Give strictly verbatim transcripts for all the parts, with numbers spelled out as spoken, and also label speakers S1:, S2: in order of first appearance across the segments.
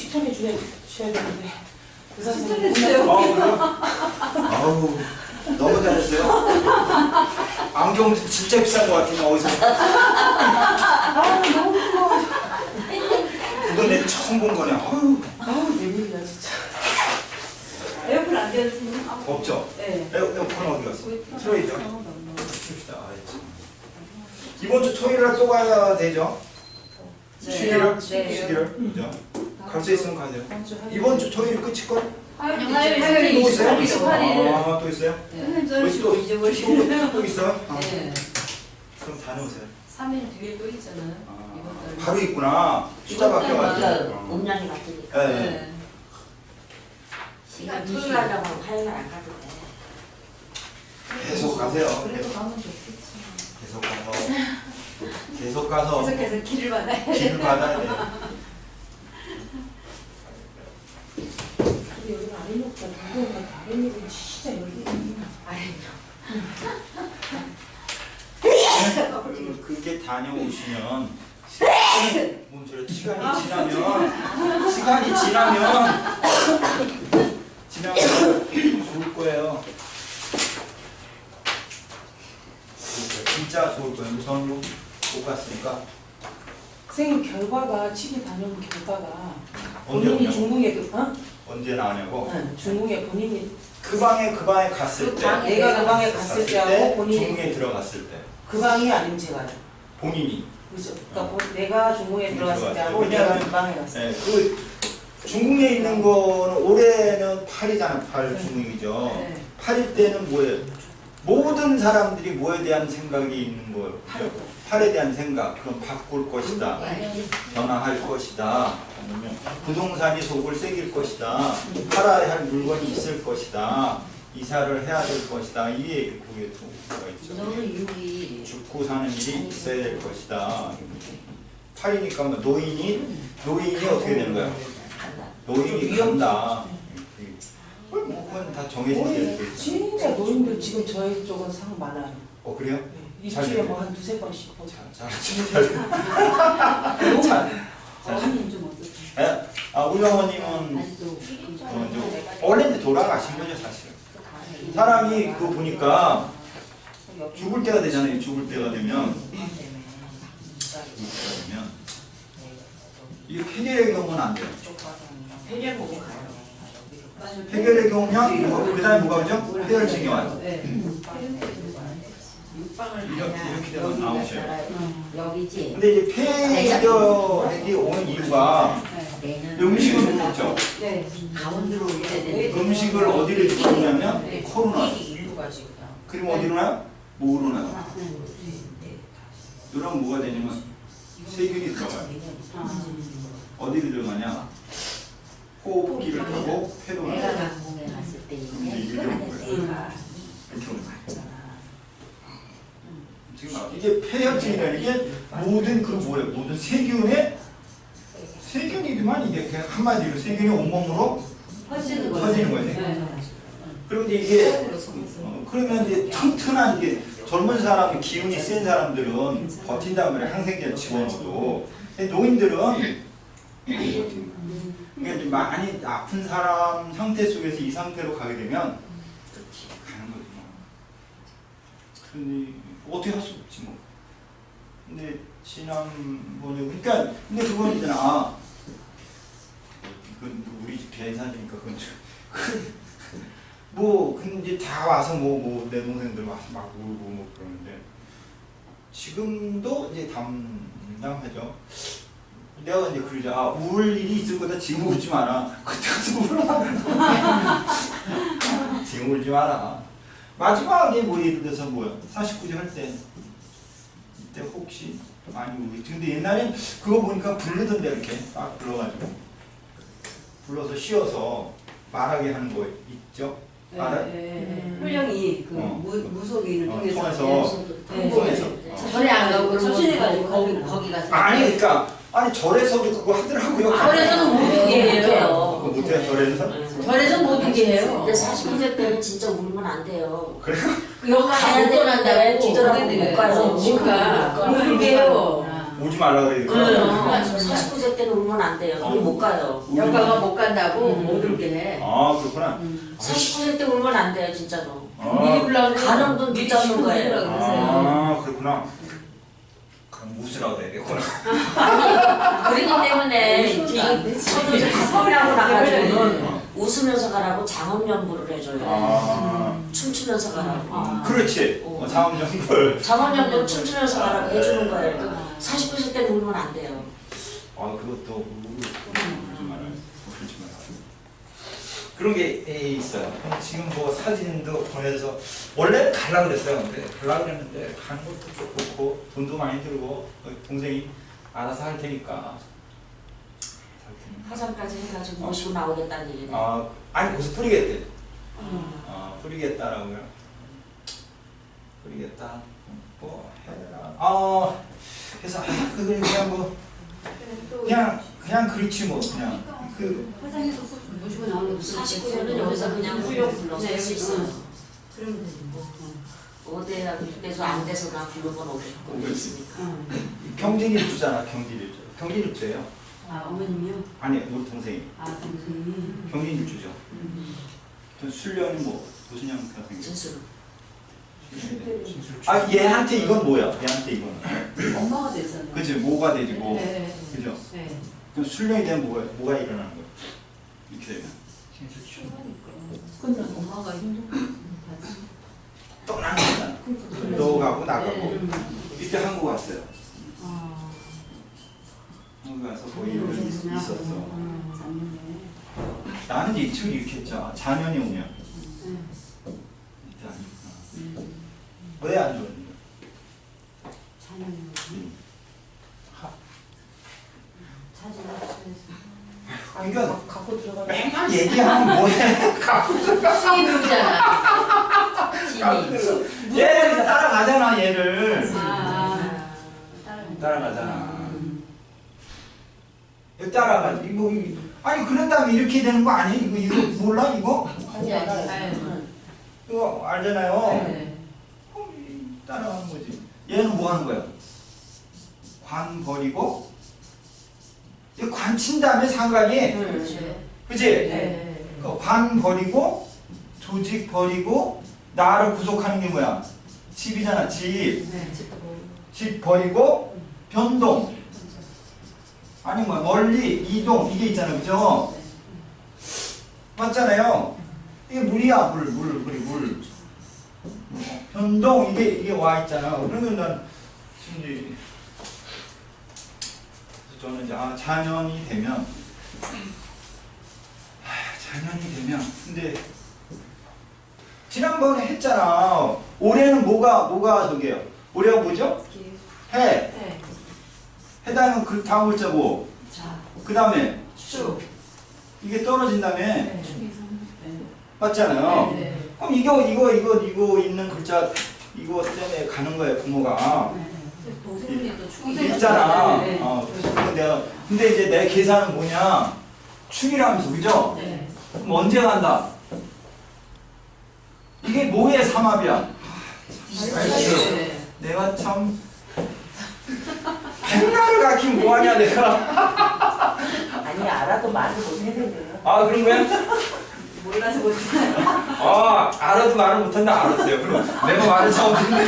S1: 칭찬해 주셔야 되는데. 의사
S2: 칭찬해
S1: 선생님.
S2: 주세요.
S3: 아, 그래요? 아우, 너무 잘했어요. 안경 진짜 비싼 것 같은데, 어디서.
S1: 아, 너무 고마워.
S3: 이건 내 처음 본 거네. 아유,
S1: 아우, 웬일이야, 진짜.
S2: 에어컨 안 되었으면
S3: 없죠?
S2: 네.
S3: 에어, 에어컨 어디 갔어? 틀어있죠? 봅시다. 아, 참. 이번 주 토요일 날 또 가야 되죠?
S2: 네.
S3: 십일월?
S2: 네.
S3: 십일월? 그죠? 갈 수 있으면 가세요. 이번 주 토요일 끝일걸?
S2: 화요일
S3: 또 있어요?
S2: 이십팔 일.
S3: 아, 또 있어요?
S2: 선생님
S3: 또,
S2: 저희
S3: 또,
S2: 잊어버리시네요.
S3: 또, 또 있어요? 아,
S2: 네.
S3: 그럼 다녀오세요.
S2: 삼 일 뒤에 또 있잖아요.
S3: 아,
S2: 이번 달.
S3: 바로 있구나. 숫자
S2: 이번 달마다
S3: 바뀌어가지고.
S4: 음량이 바뀌니까
S3: 네.
S2: 네.
S4: 시간 토요일 하려고 하면 화요일 안 가도 돼.
S3: 계속 가세요.
S2: 그래도
S3: 계속,
S2: 가면 좋겠지.
S3: 계속 가서. 계속 가서.
S2: 계속해서 길을 받아야 돼.
S3: 길을 받아야 돼.
S1: 근데 여기 아래 놓고 누구가 다른 일은 진짜 여기.
S3: 그- 그게 다녀오시면 시간이, 뭔 소리야? 시간이 지나면 시간이 지나면 지나면 좋을 거예요. 진짜 좋을 거예요. 우선 못 갔으니까
S1: 선생님 결과가 칠 일 다녀온 결과가
S3: 언제
S1: 본인이
S3: 오냐고?
S1: 중궁에 그- 어?
S3: 언제 나오냐고?
S1: 응, 중궁에 본인이
S3: 그 방에 그 방에 갔을
S2: 그
S3: 때
S2: 방에
S1: 내가 그 방에 갔을 때하고 본인이
S3: 중궁에 들어갔을 때
S1: 그 방이 아니면 제가요.
S3: 본인이
S1: 그죠? 그러니까 본- 내가 중궁에 들어갔을 때하고
S3: 왜냐면-
S1: 내가 그 방에 갔을 때.
S3: 네, 그 중궁에 있는 거는 올해는 팔이잖아. 팔 중궁이죠.
S2: 네.
S3: 팔일 때는 뭐예요? 모든 사람들이 뭐에 대한 생각이 있는 거예요. 팔에 대한 생각. 그럼 바꿀 것이다. 변화할 것이다. 아니면 부동산이 속을 새길 것이다. 팔아야 할 물건이 있을 것이다. 이사를 해야 될 것이다. 이게 그게 뭐가 있죠.
S4: 너는 육이
S3: 죽고 사는 일이 있어야 될 것이다. 팔이니까 뭐 노인이 노인이 어떻게 되는 거야? 노인이 간다. 뭐 그건 다 정해진 게
S1: 우리
S3: 있죠.
S1: 진짜 노인들 지금 저희 쪽은 상 많아요.
S3: 어 그래요?
S1: 네,
S3: 잘
S1: 일주일에
S3: 됐네.
S1: 뭐 한 두세 번씩 보자.
S3: 자, 자,
S1: 너무
S3: 자,
S1: 많아요.
S2: 어머님 좀 어떠세요?
S3: 예? 아, 우리 어머님은
S4: 아직도
S3: 어, 이제 원래 이제 돌아가신 거죠 사실. 사람이 그 보니까 죽을 때가 되잖아요. 죽을 때가 되면 죽을 때가 되면 이 폐결의 경우는 안 돼요.
S4: 회전 보고 가요.
S2: 맞아요.
S3: 폐결의 경우면 뭐, 그 다음에 뭐가 오죠? 폐혈증이 와요.
S2: 네.
S4: 육방을
S3: 이렇게,
S4: 가야
S3: 이렇게 되면 나오셔요.
S4: 여기지.
S3: 근데 이제 폐결이 오는 이유가
S4: 내는
S3: 음식을 못 먹죠.
S2: 네.
S4: 가운데로 올려야 되는데
S3: 음식을 어디를 주냐면
S2: 네.
S3: 코로나.
S4: 이유가 지금.
S3: 그럼 어디로 나요? 목으로 나요. 이러면 뭐가 되냐면 세균이 들어가요. 어디로 들어가냐? 호흡기를 타고 폐로
S4: 내가
S3: 나요.
S4: 강공에 갔을 때
S3: 이게
S4: 이게
S3: 이렇게
S4: 안에
S3: 오는
S4: 내가
S3: 이렇게 오는 거예요.
S4: 갔잖아.
S3: 지금 이게 폐혈증이라는 게 모든 그 뭐예요? 모든 세균의 세균이지만 이게 그냥 한마디로 세균이 온몸으로
S2: 퍼지는 거예요.
S3: 퍼지는 거예요.
S2: 네.
S3: 그리고 이제 이게 어, 그러면 이제 튼튼한 게 젊은 사람 기운이 센 사람들은 버틴단 말이에요. 항생제 집어넣어도. 근데 노인들은 그러니까 이제 많이 아픈 사람 상태 속에서 이 상태로 가게 되면 가는 거죠. 근데 어떻게 할 수 없지 뭐. 근데 지난번에 그러니까 근데 그건 있잖아. 아, 그건 우리 집 계산이니까 그건 좀 뭐 근데 이제 다 와서 뭐 뭐 내 동생들 와서 막 울고 뭐 그러는데 지금도 이제 담당하죠. 내가 이제 그러자 아, 울 일이 있을 거다. 지금 울지 마라. 그때 가서 울어. 지금 울지 마라. 마지막에 뭐 예를 들어서 뭐야 사십구 세 할 때 이때 혹시 많이 울지. 근데 옛날엔 그거 보니까 부르던데 이렇게 딱 불러가지고 불러서 쉬어서 말하게 하는 거 있죠. 알아요?
S2: 네. 훈령이 그
S3: 어.
S2: 무, 무속인을
S3: 어,
S2: 통해서
S3: 통해서
S2: 네.
S3: 통해서
S4: 절에 안 가고
S2: 접신해가지고
S4: 거기
S2: 거기
S4: 거기 가서.
S3: 아니 그러니까 아니 절에서도 그거 하더라고요.
S4: 절에서는 못 울게 해요.
S3: 그거 못해요 절에서?
S4: 절에서 못 울게 해요.
S5: 근데 사십구 세 때는 진짜 울면 안 돼요.
S3: 그래요?
S4: 여기 가야
S5: 가야
S4: 되는데
S5: 되는데
S4: 뒤돌아보고
S5: 못
S4: 가요.
S5: 가요.
S4: 못 가.
S5: 못
S4: 못 울게 해요.
S3: 오지 말라 그래.
S5: 사십구 세 때는 울면 안 돼요. 그럼 못 가요.
S4: 여가가 못 간다고 못 울게 해.
S3: 아 그렇구나.
S5: 사십구 세 때 울면 안 돼요, 진짜로.
S4: 미리
S3: 아,
S4: 불러
S5: 가는 분
S4: 미리
S5: 붙잡는
S4: 쉬고
S5: 거예요.
S4: 그러라 그러세요.
S3: 아 그렇구나. 그럼 웃으라고 해야겠구나.
S5: 그러기 때문에
S4: 웃으면
S5: 서울 서울하고 나가지고는 웃으면서 가라고 장엄연부를 해줘요.
S3: 아
S5: 춤추면서 가라고.
S1: 아.
S3: 그렇지. 어, 장엄정불.
S5: 장엄연부 춤추면서 가라고 해주는 거예요. 그 사십구 세 때는 울면 안 돼요.
S3: 아 그것도 울지 말아요. 울지 말아요. 그런 게 있어요. 지금 뭐 사진도 보내서 원래 가려고 그랬어요. 근데 가려고 그랬는데 가는 것도 좀 그렇고 돈도 많이 들고 동생이 알아서 할 테니까. 할 테니까.
S5: 화장까지 해가지고 모시고 나오겠다는 얘기네.
S3: 아 아니 거기서 뿌리겠대.
S5: 음.
S3: 아 뿌리겠다라고요. 뿌리겠다. 뭐 해라. 아 그래서 아 그걸 그냥 뭐 그냥 그냥 그렇지 뭐 그냥 그
S1: 화장해서 모시고 나오는 거
S5: 사십구 세는 여기서 그냥 훌륭 불러서 할 수 있어요.
S1: 그러면 되지 뭐.
S5: 어디에나 그때서 안 돼서나 부르면 오고 있으니까.
S3: 경진일 주잖아 경진일 주. 경진일 주예요.
S1: 아 어머님이요?
S3: 아니 우리 동생이
S1: 아 동생이.
S3: 경진일 주죠. 전 술련이 뭐 도순양 같은
S5: 진술.
S3: 아 얘한테 이건 뭐야? 얘한테 이거는.
S1: 엄마가 됐었네.
S3: 그치 뭐가 되고
S1: 네.
S3: 그죠?
S1: 네.
S3: 그럼 술련이 되면 뭐가 뭐가 일어나는 거야? 이렇게 되면
S1: 근데 엄마가 힘들어.
S3: 떠나는 거잖아. 너 가고 나가고 이때 한국 왔어요.
S1: 아.
S3: 한국 가서 뭐 이런 일 있- 있었어.
S1: 음, 작년에.
S3: 나는 이제 지금 이렇게 했죠. 자녀이 오면
S1: 네.
S3: 이때 아니구나.
S1: 음.
S3: 왜 안 좋았니?
S1: 작년에. 사진
S3: 아, 이거
S1: 갖고 들어가.
S3: 맨날 얘기하면 뭐해? 갖고
S4: 수입 배우잖아. 진이.
S3: 얘를 따라가잖아 얘를.
S1: 아.
S3: 따라가잖아. 얘 따라가. 이거 이- 아니 그런 다음에 이렇게 되는 거 아니야? 이거 이거 몰라 이거?
S4: 아니 아니.
S3: 이거 알잖아요.
S1: 네.
S3: 어, 이- 따라가는 거지. 얘는 뭐 하는 거야? 관 버리고 이 관 친 다음에 상관이 그치?
S1: 네.
S3: 그 관 버리고 조직 버리고 나를 구속하는 게 뭐야? 집이잖아 집.
S1: 네.
S3: 집 버리고 변동 아니 뭐 멀리 이동 이게 있잖아 그죠? 맞잖아요. 이게 물이야 물 물 물이 물 변동 이게 이게 와 있잖아. 그러면 난 지금 이제 저는 이제 아 자년이 되면 아 자년이 되면 근데 지난번에 했잖아. 올해는 뭐가 뭐가 저게요? 올해가 뭐죠? 해.
S1: 네.
S3: 해당은 그 다음 글자 뭐?
S1: 자.
S3: 그 다음에
S1: 수.
S3: 이게 떨어진 다음에
S1: 네.
S3: 맞잖아요.
S1: 네.
S3: 그럼 이거 이거 이거 이거 있는 글자 이거 때문에 가는 거예요 부모가.
S1: 동생님도 축이
S3: 있잖아.
S1: 네.
S3: 어, 그래서 내가 근데 이제 내 계산은 뭐냐? 축이라면서 그죠?
S1: 네.
S3: 그럼 언제 간다? 이게 뭐의 삼합이야?
S1: 네.
S3: 내가 참 백날을 가르치면 뭐하냐 내가.
S5: 아니 알아도 말을 못 해요.
S3: 아 그런 거야?
S1: 몰라서 못해.
S3: 아 알아도 말을 못한다 알았어요. 그럼 내가 말을 처음 듣는데.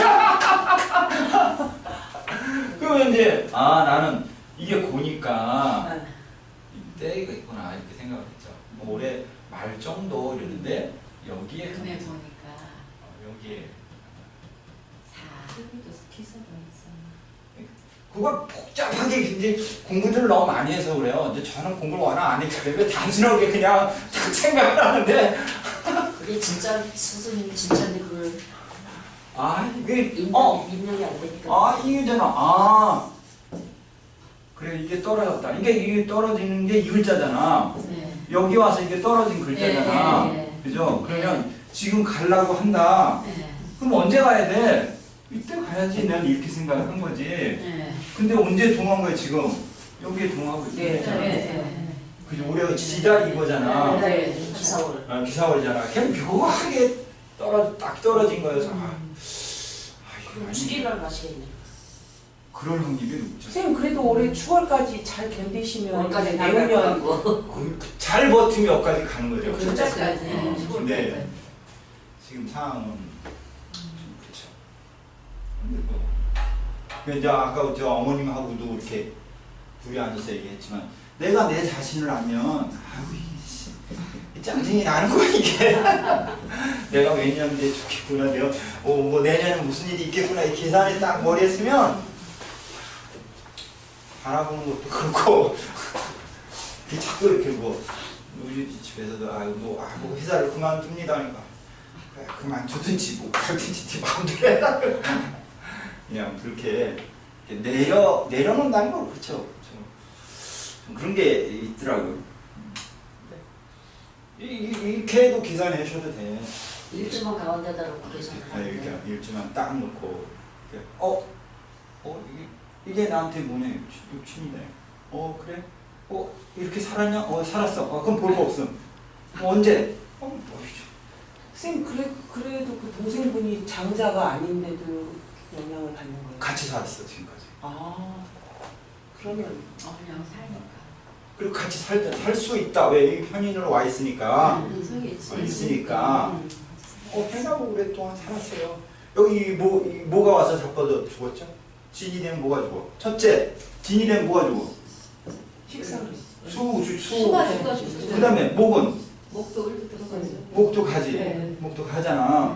S3: 그러면 이제 아 나는 이게 고니까 때가 있구나 이렇게 생각을 했죠. 뭐 올해 말 정도 이러는데 여기에
S1: 금에 보니까
S3: 어, 여기에
S1: 사. 기사가 있어.
S3: 그걸 복잡하게 굉장히 공부를 너무 많이 해서 그래요. 이제 저는 공부를 워낙 안 했기 때문에 단순하게 그냥 딱 생각을 하는데
S5: 그게 진짜 선생님이 진짜인데 그걸
S3: 아 이게
S5: 입력,
S3: 어
S5: 입력이 안 되니까.
S3: 아 이게잖아. 아 그래 이게 떨어졌다. 이게 이게 떨어지는 게 이 글자잖아.
S1: 네.
S3: 여기 와서 이게 떨어진 글자잖아.
S1: 네, 네, 네.
S3: 그죠? 그러면 지금 가려고 한다.
S1: 네.
S3: 그럼 언제 가야 돼? 이때 가야지. 난 이렇게 생각을 한 거지.
S1: 네.
S3: 근데 언제 동한 거야 지금? 여기에 동하고 있어.
S1: 네. 네.
S3: 그죠? 올해가 지달 이거잖아.
S1: 네.
S5: 기사월.
S3: 아, 기사월이잖아. 그냥 묘하게 떨어 딱 떨어진 거여서. 아, 아, 이거
S5: 그럼
S3: 아니-
S5: 추리를 마시겠네.
S3: 그럴 확률이 높죠.
S1: 선생님 그래도 올해 추월까지 잘 견디시면
S5: 월까지
S1: 이제
S5: 나갈
S1: 내후년
S5: 거고.
S3: 그- 잘 버티면 여기까지 가는 거죠.
S4: 진짜까지.
S3: 어, 근데 지금 상황은 좀 그렇죠. 근데 뭐 그 이제 아까 저 어머님하고도 이렇게 둘이 앉아서 얘기했지만 내가 내 자신을 알면 아우 이씨 짜증이 나는 거야 이게. 내가 몇 년 뒤에 좋겠구나. 내가 어, 뭐 내년에 무슨 일이 있겠구나 이 계산이 딱 머리에 쓰면 바라보는 것도 그렇고 그 자꾸 이렇게 뭐 우리 집에서도 아유 뭐, 아, 뭐 회사를 그만둡니다 하니까 그래, 그만두든지 뭐 그러든지 네 마음대로 해라. 그냥 그렇게 내려 내려놓는다는 거 그렇죠. 좀, 좀 그런 게 있더라고요. 이, 이, 이렇게 해도 계산하셔도 돼.
S5: 일주만 가운데다 놓고 계산을
S3: 아,
S5: 하는데.
S3: 이렇게 일주만 딱 놓고 이렇게, 어? 어? 이게, 이게 나한테 뭐네? 욕심이네. 어 그래? 어? 이렇게 살았냐? 어 살았어. 어, 그럼 볼 거 없음. 어, 언제? 어? 뭐이죠?
S1: 선생님 그래, 그래도 그 동생분이 장자가 아닌데도 영향을 받는 거예요?
S3: 같이 살았어 지금까지.
S1: 아 그러면
S4: 어, 그냥 살니까.
S3: 그리고 같이 살 수 있다. 왜? 이 편인으로 와 있으니까.
S4: 인성이
S3: 어, 있으니까. 어, 편하고 오랫동안 살았어요. 여기 뭐, 이 뭐가 와서 자빠져 죽었죠? 진이 되면 뭐가 죽어? 첫째, 진이 되면 뭐가 죽어?
S1: 식사를
S3: 수, 수, 수.
S4: 수가 수가 죽었어요.
S3: 그 다음에 목은?
S4: 목도 들어가죠.
S3: 목도 가지.
S4: 네.
S3: 목도 가잖아.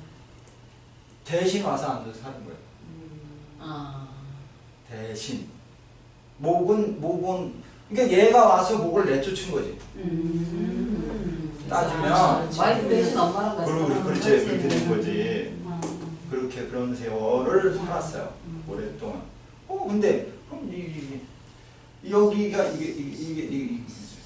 S3: 대신 와서 앉아서 사는 거야.
S4: 아.
S3: 대신. 목은, 목은, 그러니까 얘가 와서 목을 내쫓은 거지.
S4: 음.
S3: 따지면.
S4: 와이프 대신 엄마랑 같이.
S3: 그리고
S4: 살아가는
S3: 그렇지,
S4: 거지.
S3: 그렇게 된 거지.
S4: 음.
S3: 그렇게 그런 세월을 살았어요.
S4: 음.
S3: 오랫동안. 어, 근데, 그럼 이, 이, 이 여기가 이게, 이게, 이게, 이게.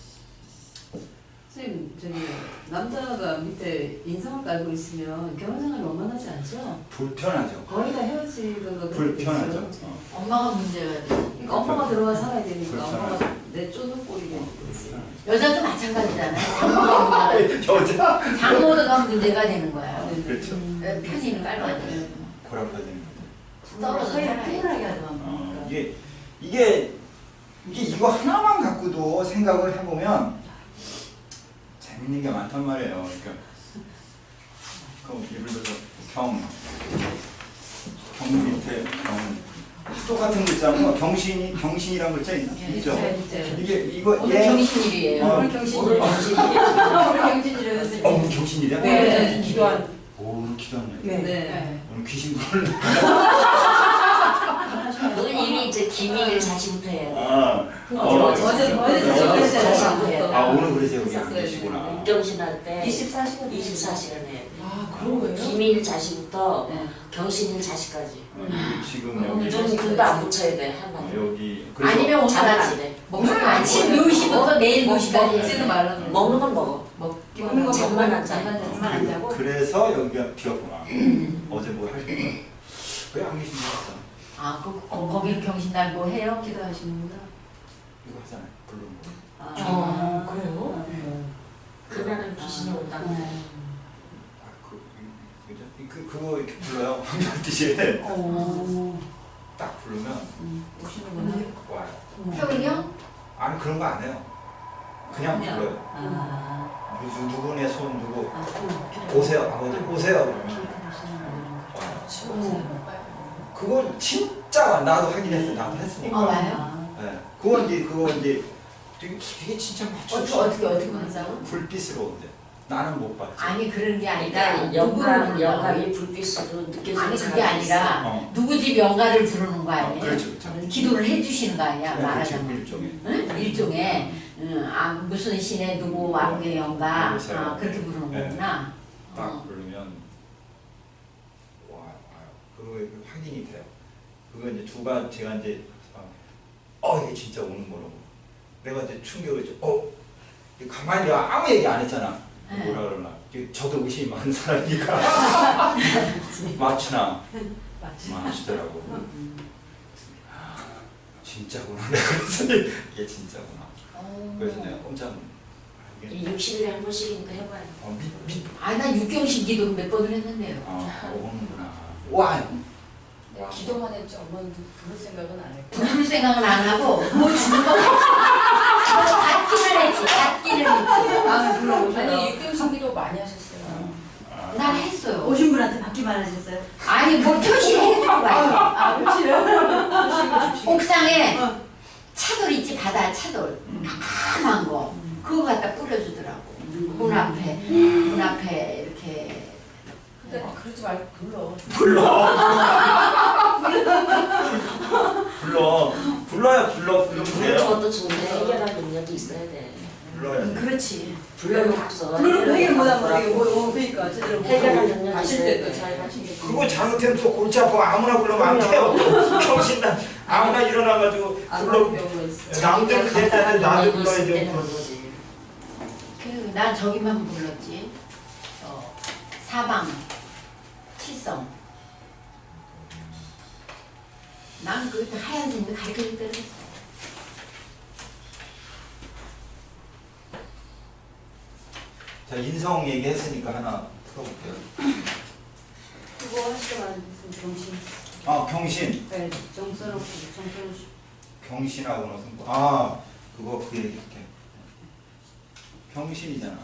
S2: 선생님 저기 남자가 밑에 인상을 깔고 있으면 결혼생활이 원만하지 않죠?
S3: 불편하죠.
S2: 거의 다 헤어지던가
S3: 불편하죠. 어.
S4: 엄마가 문제가 돼.
S2: 그러니까 엄마가 들어와 살아야 되니까
S3: 불편하죠.
S2: 엄마가 내쫓는 꼴이 되는 거지.
S4: 여자도 마찬가지잖아요. 장모가 문제가
S3: 여자.
S4: 장모가 문제가 되는 거야.
S3: 그렇죠.
S4: 편의는 깔아야 돼.
S3: 고락화되는 거죠.
S4: 떨어져
S2: 사이
S4: 살아야
S2: 피곤하게 하지 마.
S3: 어, 이게, 이게, 이게 이거 하나만 갖고도 생각을 해보면 재밌는 게 많단 말이에요. 그러니까, 그럼 예를 들어서 경, 경 밑에 경, 똑같은 글자는 경신이, 경신이란 글자 있나?
S4: 예,
S3: 있죠?
S2: 진짜, 진짜.
S3: 이게, 이거,
S4: 오늘
S3: 얘,
S4: 경신일이에요.
S3: 어,
S2: 오늘 경신.
S5: 오늘 경신.
S2: 오늘 경진이래요
S3: 어,
S2: 선생님.
S3: 오늘 경신이래?
S1: 네, 기도한
S3: 오, 오늘 기도하네.
S1: 네.
S2: 네.
S3: 오늘 귀신 부르는
S5: 오늘 이미 이제 기밀 자신부터 해야 돼.
S3: 아,
S2: 어제
S3: 어,
S2: 어제 어제
S3: 어제
S2: 저녁에
S3: 아, 오늘 그래서 여기 안
S2: 있었어요.
S3: 계시구나.
S5: 육경신 할 때
S2: 이십사 시간
S5: 이십사 시간 해야 돼.
S1: 아 그런 거예요?
S5: 기밀 자신부터
S2: 네.
S5: 경신일 자시까지.
S3: 어, 지금
S2: 음.
S3: 여기,
S5: 눈, 눈도 안 붙여야 돼,
S3: 어,
S5: 한마디로.
S3: 여기. 그래서
S4: 아니면 오늘
S5: 잘하지.
S4: 먹는 거 아침 열 시부터 내일 열 시까지
S2: 먹지는 말라 그래.
S5: 먹는 건 먹어.
S2: 먹기만
S5: 잠만 안 자.
S2: 잠만 잠만 안 자고.
S3: 그래서 여기가 비었구나. 어제 뭐 할 거야? 왜안 계신 줄 알았어?
S4: 아, 그, 거, 거기는 경신날 뭐 해요?
S2: 기도하시는구나.
S3: 이거 하잖아요. 부르는 거.
S2: 아,
S1: 어, 그래요?
S5: 그날은 귀신이 온다.
S3: 아, 그, 이- 그죠? 이- 그, 그거 이렇게 불러요. 황금띠시에
S2: 어.
S3: 딱 부르면
S2: 오시는구나.
S3: 와요.
S4: 태훈이요?
S3: 아니, 그런 거 안 해요. 그냥 불러요.
S2: 아.
S3: 누구, 누구네 손 누구.
S2: 아,
S3: 오세요. 아버지, 오세요. 그러면 와요.
S2: 어.
S3: 그건 진짜 나도 확인했어. 나도 했으니까.
S4: 어, 와요?
S3: 네. 그거 이제, 그거 이제 되게, 되게 진짜
S4: 어떻게,
S3: 맞추고
S4: 어떻게, 어떻게 만나고?
S3: 불빛으로 온대. 나는 못 봤지.
S4: 아니, 그런 게 아니라,
S5: 그러니까
S4: 누구를
S5: 영감,
S4: 부른다고?
S5: 영감이 불빛으로 느껴지는
S4: 아니, 그게
S5: 사람이
S4: 아니라,
S3: 어.
S4: 누구 집 영가를 부르는 거 아니에요?
S3: 어, 그렇죠, 그렇죠.
S4: 기도를 해주시는 거 아니야,
S3: 네,
S4: 말하자면.
S3: 그렇죠. 일종의.
S4: 응? 일종의, 응, 아, 무슨 신의 누구 왕의 영가,
S3: 그렇죠.
S4: 아, 그렇게 부르는
S3: 네.
S4: 거구나.
S3: 딱
S4: 어.
S3: 부르면 와, 와요. 그거 확인이 돼요. 그거 이제 두 번 제가 이제 어 이게 진짜 오는 거라고. 내가 이제 충격을 좀 어. 가만히 내가 아무 얘기 안 했잖아.
S4: 네.
S3: 뭐라 그러나. 이게 저도 의심이 많은 사람이니까 맞추나 맞추더라고. 진짜구나. 내가 그랬더니 이게 진짜구나. 그래서 내가 깜짝 놀랐어.
S5: 이 육십 일에 한 번씩이니까 해봐요.
S3: 어, 미, 미,
S4: 아, 나 육경신 기도 몇 번을 했는데요.
S3: 아, 오는구나. 와,
S2: 야, 기도만 했지 엄마는 부를 생각은 안 했고.
S4: 부를 생각은 안 하고 뭐 주는 거 받기는 했지. 받기는 했지.
S2: 아, 물론 아니 입금신기도 많이 하셨어요.
S4: 난 했어요.
S6: 오신 분한테 받기만 하셨어요?
S4: 아니 뭐 표시를 해주고 가요.
S6: 아, 그렇지.
S4: 옥상에 차돌 있지, 바다 차돌 까만 거 그거 갖다 뿌려주더라고. 문 앞에 문 앞에 이렇게.
S2: 근데 그러지 말고 불러.
S3: 불러. 불러. 불러야 불러.
S5: 부르는
S3: 불러주세요.
S5: 것도 좋은데 해결할 능력이 있어야 돼.
S3: 불러야 돼.
S4: 그렇지.
S5: 불러면 없어.
S6: 그럼 해결 못하면 이게 뭐, 뭐, 그러니까 제대로 못
S5: 해결할
S6: 하고.
S5: 능력이
S2: 가실
S5: 있어야
S2: 때도
S5: 돼.
S2: 잘 가시겠지.
S3: 그거 잘못하면 또 골치 아파. 아무나 불러면 안 돼요. 정신나. 아무나 일어나가지고
S2: 안
S3: 불러.
S2: 그런 경우가 있어.
S3: 남들 그럴 때는 나도 불러야
S5: 되는
S3: 돼.
S5: 거지.
S4: 그 난 저기만 불렀지. 어, 사방, 칠성. 난 그 하얀 선생님이 가르쳐준 대로 했어.
S3: 자, 인성 얘기했으니까 하나 풀어볼게요.
S6: 그거 하시더만 무슨 정신.
S3: 아, 경신.
S6: 네, 정서놓고 정서놓고.
S3: 경신하고 무슨 뭐- 아, 그거 그 얘기할게. 경신이잖아.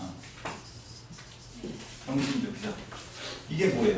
S3: 경신죠, 그죠? 이게 뭐예요?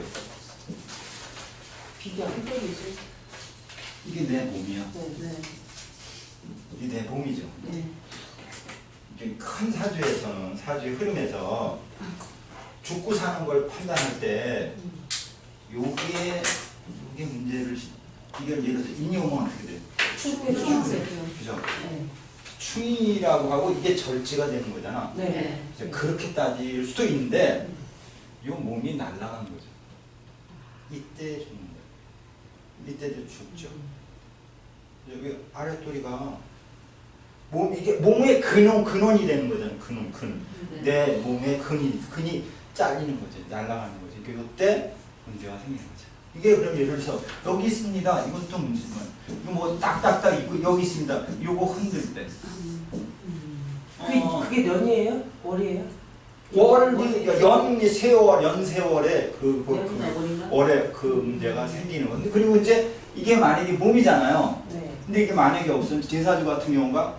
S1: 비교.
S2: 흑백이지.
S3: 이게 내 몸이야.
S2: 네.
S3: 이게 내 몸이죠.
S2: 네.
S3: 이게 큰 사주에서는 사주의 흐름에서 죽고 사는 걸 판단할 때 요게 요게 문제를 시- 이게 예를 들어서 인용은 어떻게 돼?
S2: 충분히 충분해요.
S3: 그죠?
S2: 네.
S3: 충이라고 하고 이게 절제가 되는 거잖아.
S1: 네.
S3: 이제 그렇게 따질 수도 있는데 요 몸이 날아가는 거죠. 이때 죽는 거예요. 이때도 죽죠. 여기 아랫도리가 몸 이게 몸의 근원 근원이 되는 거잖아요. 근원 근.
S2: 네.
S3: 내 몸의 근이 근이 잘리는 거죠. 날아가는 거죠. 이때 문제가 생기는 거죠. 이게 그럼 예를 들어서 여기 있습니다. 이것도 문제지만 이거 뭐 딱딱딱 있고 여기 있습니다. 요거 흔들 때.
S1: 그게,
S3: 어,
S1: 그게 년이에요? 월이에요?
S3: 월이 연 세월 연 세월에 그, 그,
S1: 연이나
S3: 그
S1: 월인가?
S3: 월에 그 문제가 생기는 건데 그리고 이제 이게 만약에 몸이잖아요.
S1: 네.
S3: 근데 이게 만약에 없으면 제사주 같은 경우가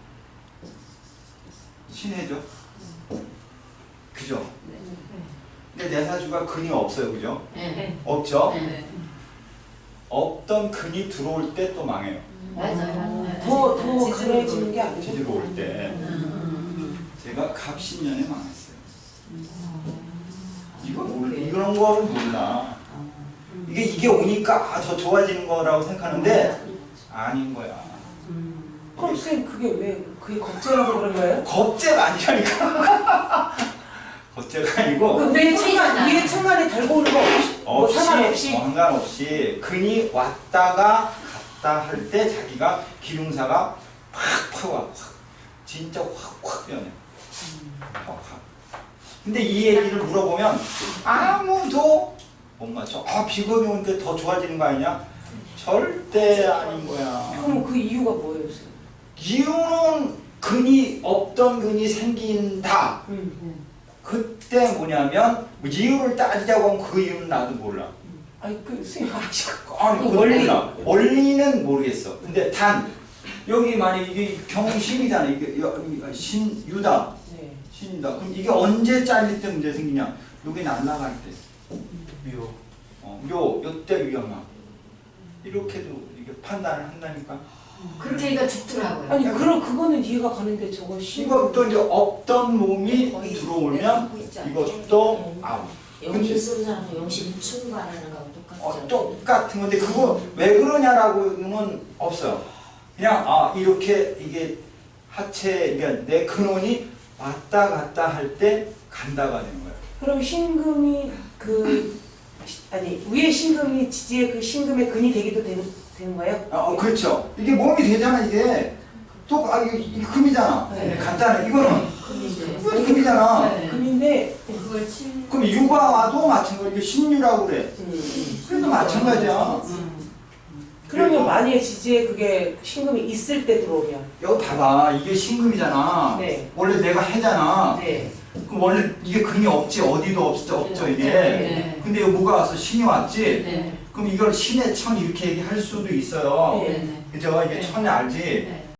S3: 신해죠. 그죠? 근데 내사주가 근이 없어요. 그죠?
S4: 네.
S3: 없죠?
S2: 네.
S3: 없던 근이 들어올 때 또 망해요.
S4: 맞아요.
S1: 더, 더
S2: 지지로
S1: 그래지는 게 아니고.
S3: 지지로 올 때. 제가 갑신년에 망했어요. 이거 몰라. 이런 거는 몰라. 이게 이게 오니까 아, 더 좋아지는 거라고 생각하는데 아닌 거야.
S1: 그럼 선생님 그게 왜 그게 걱정해서 그런 거예요?
S3: 겁재가 아니라니까. 겁재가 아니고
S1: 근데 천간 위에 천간에 달고 오는 거 없이 뭐
S3: 없이
S1: 상관없이
S3: 상관없이 근이 왔다가 갔다 할 때 자기가 기lum사가 확확 와. 확. 진짜 확확 변해. 확, 확. 근데 이 얘기를 물어보면 아무도 못 맞춰. 아 비겁이 오는데 더 좋아지는 거 아니냐? 절대 아닌 거야.
S1: 그럼 그 이유가 뭐예요, 선생님?
S3: 이유는 근이 없던 근이 생긴다.
S1: 음.
S3: 그때 뭐냐면 이유를 따지자고 하면 그 이유는 나도 몰라.
S1: 아니 그 선생님 아시고
S3: 아니
S1: 그
S3: 그
S1: 원리.
S3: 몰라. 원리는 모르겠어. 근데 단 여기 만약 이게 경신이잖아. 이게 여- 이 신유다.
S1: 네.
S3: 신이다. 그럼 이게 언제 잘릴 때 문제 생기냐? 여기 날아갈 때. 묘. 어, 묘. 요때 위험함. 이렇게도 이게 판단을 한다니까.
S4: 그렇게 이거 죽더라고요.
S1: 아니 그럼 그거는 이해가 가는데 저거 신
S3: 이것도 이제 없던 몸이 들어오면 이것도 아웃.
S5: 영신 쓰는 사람은 영신 충반하는 거하고 똑같죠.
S3: 어, 똑같은 건데 그거 왜 그러냐라고는 없어요. 그냥 아 이렇게 이게 하체 그러니까 내 근원이 왔다 갔다 할 때 간다가 되는 거예요.
S1: 그럼 신금이 그 시- 아니 위에 신금이 지지의 그 신금의 근이 되기도 되는, 되는 거예요?
S3: 어 그렇죠. 이게 몸이 되잖아 이게. 또 아 이게, 이게 금이잖아.
S1: 네.
S3: 간단해. 이거는
S2: 금이죠.
S3: 이건 금이잖아.
S2: 네.
S1: 금인데
S2: 그걸 칠.
S3: 그럼 유가와도 마찬가지로 신유라고 그래. 그래도 마찬가지야.
S1: 그러면 만약에 지지에 그게 신금이 있을 때 들어오면
S3: 여기 봐봐. 이게 신금이잖아.
S1: 네.
S3: 원래 내가 해잖아.
S1: 네.
S3: 그럼 원래 이게 근이 없지. 어디도 없, 없죠 이게.
S2: 네.
S3: 근데 여기 뭐가 와서 신이 왔지.
S2: 네.
S3: 그럼 이걸 신의 천 이렇게 얘기할 수도 있어요.
S1: 네.
S2: 네네.
S3: 그죠? 이제
S2: 네.
S3: 천에 알지?
S2: 네.